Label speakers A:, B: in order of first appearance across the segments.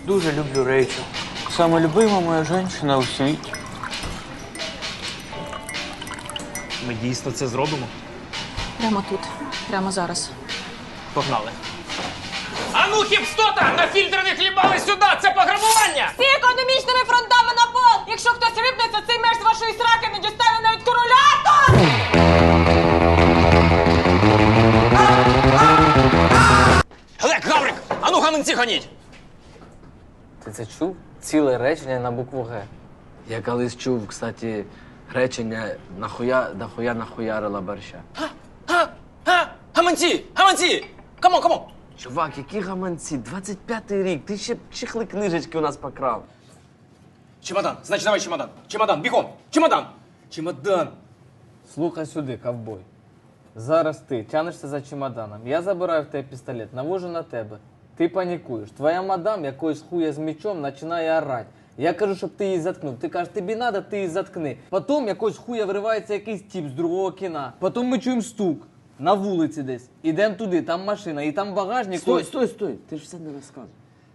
A: Дуже люблю Рейчел. Саме любима моя жінка у світі.
B: Ми дійсно це зробимо?
C: Прямо тут, прямо зараз.
B: Погнали. А ну, хіпстота! На фільтр не хлібали сюди! Це пограбування!
C: Всі економічними фронтами на пол! Якщо хтось рипнеться, цей меч з вашої сраки не дістане навіть королятор!
B: Глек, Гаврик! А ну, гаманці гоніть!
D: Ти це чув? Ціле речення на букву Г. Я колись чув, кстати, речення нахуя нахуярила борща.
B: Гаманці! Гаманці! Камон!
D: Чувак, які гаманці? 25-й рік, ти ще чехли книжечки у нас покрав.
B: Чемодан! Значить, давай чемодан! Чемодан, бігом! Чемодан! Чемодан!
D: Слухай сюди, ковбой. Зараз ти тянешся за чемоданом. Я забираю в тебе пістолет, навожу на тебе. Ти панікуєш. Твоя мадам якоюсь хуя з мечом починає орати. Я кажу, щоб ти її заткнув. Ти кажеш, тобі надо, ти її заткни. Потім якось хуя виривається якийсь тип з другого кіна. Потім ми чуємо стук. На вулиці десь. Ідемо туди, там машина, і там багажник. Стой. Ти ж все не розказуй.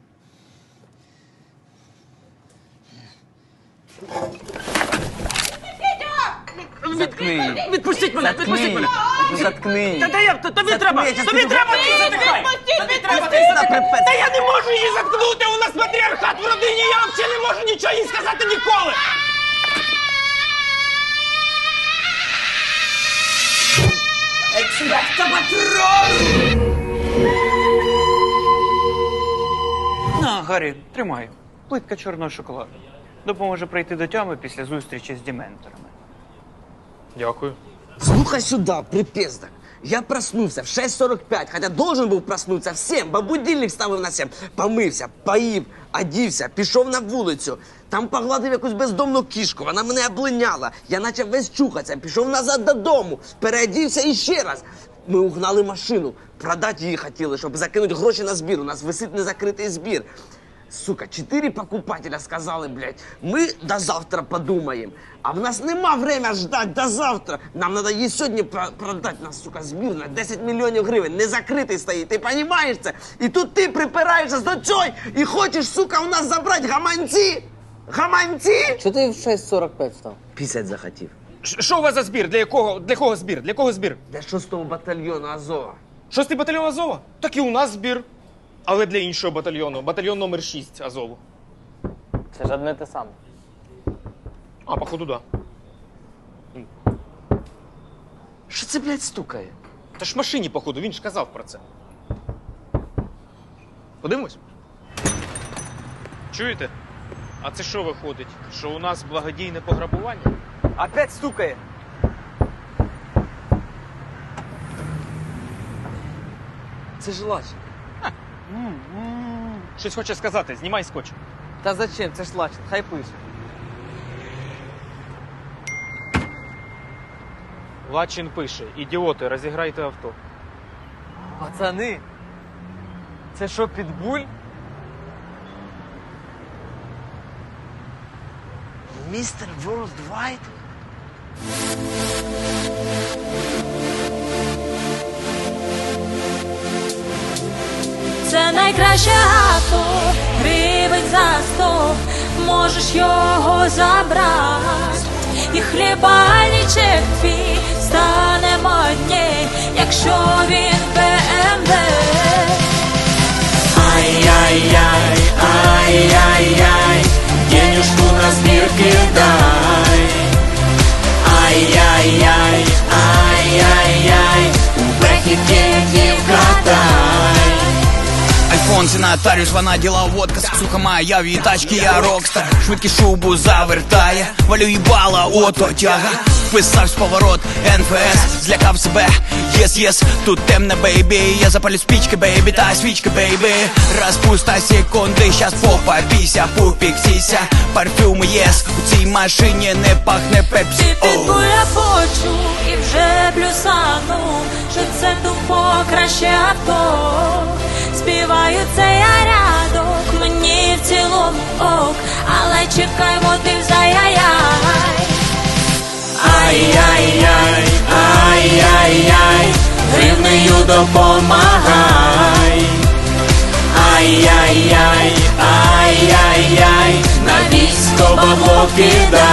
A: Заткни її.
B: Відпустіть мене! Відпустіть мене!
A: Заткни її.
B: Та як? Тобі треба! Тобі треба! Ти затихай! Тобі треба! Та я не можу її заткнути! У нас матріархат в родині! Я взагалі не можу нічого їй сказати ніколи!
A: На, Гаррі, тримай. Плитка чорного шоколаду. Допоможе прийти до тями після зустрічі з дементорами.
B: Дякую.
E: Слухай сюда, припездок. Я проснулся в 6:45, хотя должен был проснуться в 7, бо будильник ставив на 7. Помився, поїв, одівся, пішов на вулицю. Там погладив якусь бездомну кішку, вона мене облиняла. Я почав весь чухатися, пішов назад додому, переодівся і ще раз. Ми угнали машину, продати її хотіли, щоб закинути гроші на збір. У нас висить незакритий збір. Сука, 4 покупателя сказали, блядь, ми до завтра подумаємо. А в нас нема время ждать до завтра. Нам надо її сьогодні продати. Нас, сука, збір на 10 мільйонів гривень. Не закритий стоїть, ти розумієш це? І тут ти припираєшся до цього і хочеш, сука, у нас забрати гаманці? Гаманці?
D: Чого ти в 6:45 став?
E: 50 захотів.
B: Що у вас за збір? Для кого збір? Для кого збір?
E: Для 6-го батальйону Азова.
B: 6-й батальйон Азова? Так і у нас збір. Але для іншого батальйону. Батальйон номер 6 Азову.
D: Це ж одне те саме.
B: А, походу, да.
E: Що це, блядь, стукає?
B: Та ж в машині, походу, він ж казав про це. Подивимось? Чуєте? А це що виходить? Що у нас благодійне пограбування?
A: Опять стукає.
D: Це ж лач.
B: Щось хоче сказати, знімай скотч.
D: Та зачем? Це ж лачин, хай пише.
B: Лачин пише: ідіоти, розіграйте авто.
D: Пацани, це що, Підбуль?
E: Містер Ворлдвайд?
F: Це найкраще авто, гривень за 100, можеш його забрати. І хлібальничек твій стане модній, якщо він БМВ. Ай-яй-яй, ай-яй-яй, денежку на збір кидай. Ай-яй-яй, ай-яй-яй, у бехі деньги вкатай.
G: Альфонсі нотаріус, вона діла водка, сука моя, в її тачки я рокстар. Швидкість шубу завертає, валю їбала, ото тяга. Вписавсь в поворот, НФС, злякав себе, єс, тут темне, бейбі. Я запалю спічки, бейбі, та свічки, бейбі. Розпуста секунди, щас попа, піся, пупік, сіся. Парфюм єс, у цій машині не пахне пепсі.
F: Ти Підбуля почув і вже плюсанув, що це тупо краще авто. Співаю цей рядок, мені в цілому ок, але чекай, мотив за яй-яй. Ай-яй-яй, ай-яй-яй, гривнею допомагай. Ай-яй-яй, ай-яй-яй.
G: покидає.